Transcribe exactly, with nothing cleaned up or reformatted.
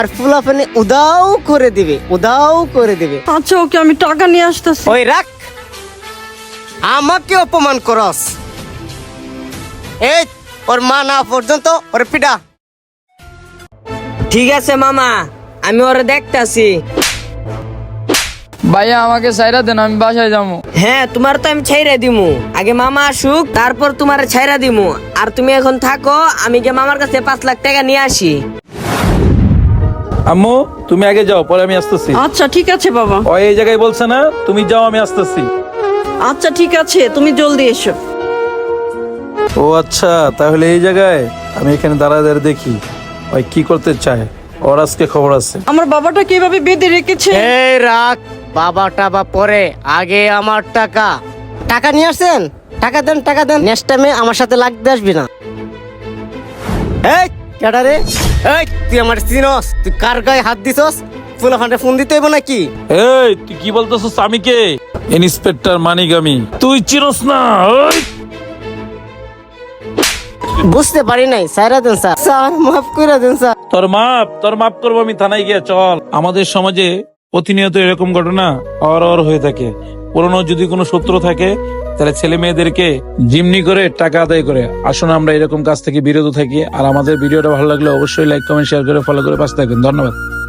আর ফুলাফানি উদাও করে দিবে, উদাও করে দিবে। আচ্ছা ওকে, আমি টাকা নিয়ে আসতেছি। ওই রাখ, আমাকে অপমান করস। এই ওর মা না পর্যন্ত ওর পিডা। ঠিক আছে মামা, আমি ওরে দেখতাছি। ভাইয়া আমাকে ছাইরা দেন, আমি বাসায় যাবো। হ্যাঁ, তোমার তো আমি ছাইরা দিমু, আগে মামা আসুক তারপর তোমার ছাইরা দিমু। আর তুমি এখন থাকো, আমি গিয়ে মামার কাছে পাঁচ লাখ টাকা নিয়ে আসি। আম্মু তুমি আগে যাও, পরে আমি আসতেছি। আচ্ছা ঠিক আছে বাবা। ও এই জায়গায় বলছে না, তুমি যাও, আমি আসতেছি। আচ্ছা ঠিক আছে, তুমি জলদি এসো। ও আচ্ছা, তাহলে এই জায়গায় আমি এখানে দাঁড়ায় দাঁড়িয়ে দেখি ওই কি করতে চায়। ওর আজকে খবর আছে। আমার বাবাটা কিভাবে বেঁধে রেখেছে। এই রাখ, বাবা টাবা পরে, আগে আমার টাকা। টাকা নিয়ে আসছেন, টাকা দেন, টাকা দেন। নেক্সট টাইমে আমার সাথে লাগতে আসবি না। এই কেডা রে? এই তুই আমার চিনস? তুই কার গায়ে হাত দিছস? ফুলাফান্ডে ফোন দিতে হইব নাকি? এই তুই কি বলতেছিস? আমি কে? ইন্সপেক্টর মানিক আমি। তুই চিনস না? ওই বুঝতে পারি নাই, সাইরা দেন স্যার। স্যার মাফ করে দেন স্যার। তোর মাপ তোর মাপ করবো আমি থানায় গিয়ে। চল, আমাদের সমাজে প্রতিনিয়ত এরকম ঘটনা অর অর হয়ে থাকে। পুরনো যদি কোনো সূত্র থাকে তাহলে ছেলে মেয়েদেরকে জিমনি করে টাকা আদায় করে। আসুন আমরা এরকম কাজ থেকে বিরত থাকি। আর আমাদের ভিডিওটা ভালো লাগলে অবশ্যই লাইক কমেন্ট শেয়ার করে ফলো করে পাশে থাকুন। ধন্যবাদ।